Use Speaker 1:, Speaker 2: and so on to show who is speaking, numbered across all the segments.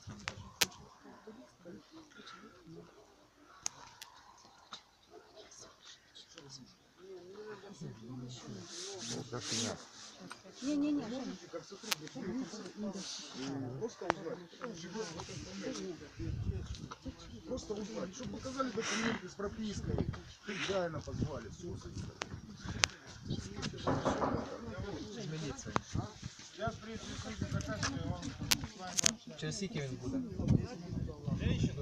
Speaker 1: Не-не-не.
Speaker 2: Просто узнать, чтобы показали документы с пропиской. Реально позвали. Я
Speaker 3: через скільки він буде?
Speaker 4: Женщина,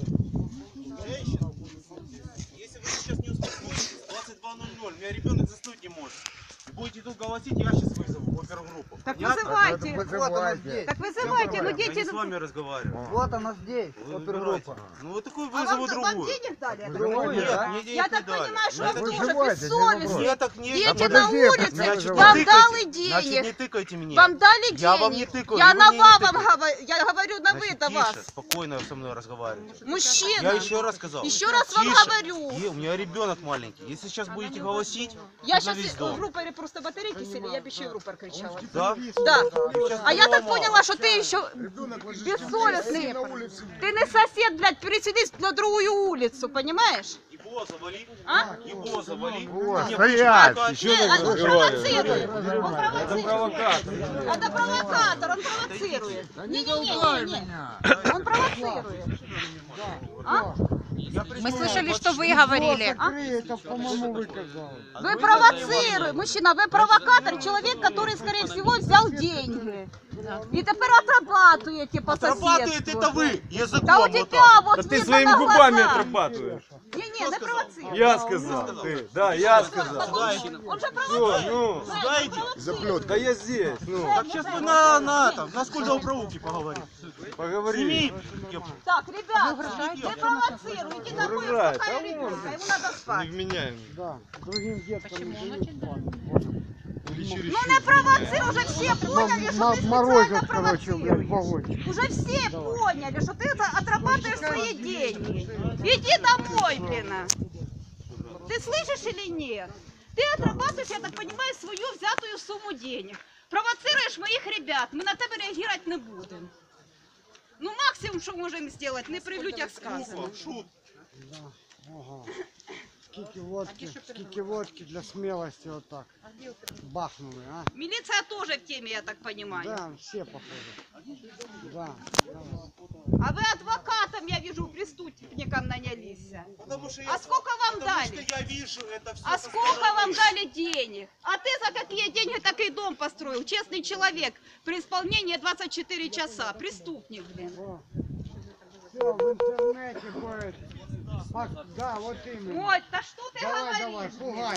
Speaker 4: если вы сейчас не успокоитесь, 22:00, у меня ребенок заснуть не может. И будете тут голосить, я сейчас вызову опергруппу.
Speaker 1: Так
Speaker 4: Понятно?
Speaker 1: вызывайте. Так вызывайте, ну
Speaker 4: Я
Speaker 1: дети...
Speaker 4: не с вами разговариваю.
Speaker 5: Вот она здесь,
Speaker 4: Вы
Speaker 5: опергруппа.
Speaker 4: выбирайте. Ну вот такую
Speaker 1: А
Speaker 4: вызову
Speaker 1: вам
Speaker 4: другую.
Speaker 1: денег дали?
Speaker 5: Другую,
Speaker 4: Нет,
Speaker 5: да?
Speaker 4: мне денег
Speaker 1: Я
Speaker 4: не
Speaker 1: так
Speaker 4: дали.
Speaker 1: понимаю, что
Speaker 4: Ну,
Speaker 1: вы
Speaker 4: это
Speaker 1: тоже
Speaker 5: выживайте,
Speaker 1: бессовестны.
Speaker 4: Я так не...
Speaker 1: Дети
Speaker 4: Подожди,
Speaker 1: на улице,
Speaker 4: значит, не
Speaker 1: вам
Speaker 4: тыкайте.
Speaker 1: дали
Speaker 4: Значит, не
Speaker 1: денег.
Speaker 4: тыкайте мне.
Speaker 1: Вам дали денег.
Speaker 4: Я вам не тыкаю,
Speaker 1: Я
Speaker 4: и вы
Speaker 1: на
Speaker 4: мне не
Speaker 1: вам
Speaker 4: тыкаете.
Speaker 1: говорю, я говорю на вы,
Speaker 4: Значит,
Speaker 1: это
Speaker 4: тише,
Speaker 1: вас.
Speaker 4: спокойно со мной разговаривайте.
Speaker 1: Мужчина.
Speaker 4: Я еще раз сказал.
Speaker 1: Еще раз вам
Speaker 4: Тише.
Speaker 1: говорю.
Speaker 4: У меня ребенок маленький. Если сейчас будете голосить,
Speaker 1: Я
Speaker 4: то на весь
Speaker 1: сейчас
Speaker 4: дом.
Speaker 1: в рупоре просто батарейки сели, я бы еще в рупор кричала.
Speaker 4: Да?
Speaker 1: Да.
Speaker 4: Сейчас
Speaker 1: А я так
Speaker 4: поломал.
Speaker 1: поняла, что ты еще бессовестный. Ты не сосед, блядь, переселись на другую улицу, понимаешь?
Speaker 4: Его завали.
Speaker 1: А?
Speaker 4: Его завали.
Speaker 2: Вот,
Speaker 4: Не,
Speaker 2: стоять!
Speaker 4: пускай-
Speaker 1: Нет, он провоцирует. Он
Speaker 3: Це провокатор.
Speaker 1: Это провокатор, он провоцирует. Не-не-не, он провоцирует. А?
Speaker 6: Мы слышали, что вы говорили.
Speaker 5: Это, по-моему, вы казалось.
Speaker 1: Вы провоцируете, мужчина, вы провокатор, человек, который, скорее всего, взял деньги. И теперь отрабатываете по
Speaker 4: Отрабатывает
Speaker 1: соседству.
Speaker 4: это вы языком.
Speaker 1: Да у
Speaker 4: вот
Speaker 1: тебя
Speaker 4: так.
Speaker 1: вот
Speaker 3: Та ти
Speaker 1: видно
Speaker 3: своїми
Speaker 1: на
Speaker 3: губами
Speaker 1: глазах.
Speaker 3: отрабатуєш.
Speaker 1: Не-не, не провоцируй.
Speaker 3: Я сказав, ти. Да, я сказав.
Speaker 1: Он же
Speaker 3: Все,
Speaker 1: провоцирует.
Speaker 3: ну,
Speaker 4: Сюда иди.
Speaker 2: Заплет.
Speaker 3: да я здесь, ну,
Speaker 4: Так сейчас вы на скульдоуправуке поговорим.
Speaker 3: поговори.
Speaker 4: Сними кепку.
Speaker 1: Так, ребят, не провоцируйте, такое
Speaker 3: Угрожает.
Speaker 1: успокоили
Speaker 3: А
Speaker 1: ребенка, ему надо спать.
Speaker 3: Невменяемый.
Speaker 5: Да, другим деткам не дают спать.
Speaker 1: Ну не провоцируй, уже все поняли, что ты
Speaker 5: Морозят,
Speaker 1: специально
Speaker 5: короче, блядь,
Speaker 1: провоцируешь.
Speaker 5: вагончик.
Speaker 1: Уже все поняли, что ты отрабатываешь свои деньги. Иди домой, блин. Ты слышишь или нет? Ты отрабатываешь, я так понимаю, свою взятую сумму денег. Провоцируешь моих ребят, мы на тебя реагировать не будем. Ну максимум, что можем сделать, не при людях сказано.
Speaker 4: Шут.
Speaker 5: Ага. Скільки водки для смелости вот так. Бахнули, а?
Speaker 1: Милиция тоже в теме, я так понимаю.
Speaker 5: Да, все похоже. Да.
Speaker 1: А вы адвокатом, я вижу, преступникам нанялись.
Speaker 4: Потому что
Speaker 1: А сколько вам
Speaker 4: потому
Speaker 1: дали?
Speaker 4: что я вижу это все.
Speaker 1: А сколько вам дали денег? А ты за какие деньги такой дом построил? Честный человек при исполнении 24 часа. Преступник, блин.
Speaker 5: Все в интернете будет. Да, вот именно.
Speaker 1: Ой, да что ты
Speaker 5: Давай,
Speaker 1: говоришь?
Speaker 5: давай, пугай.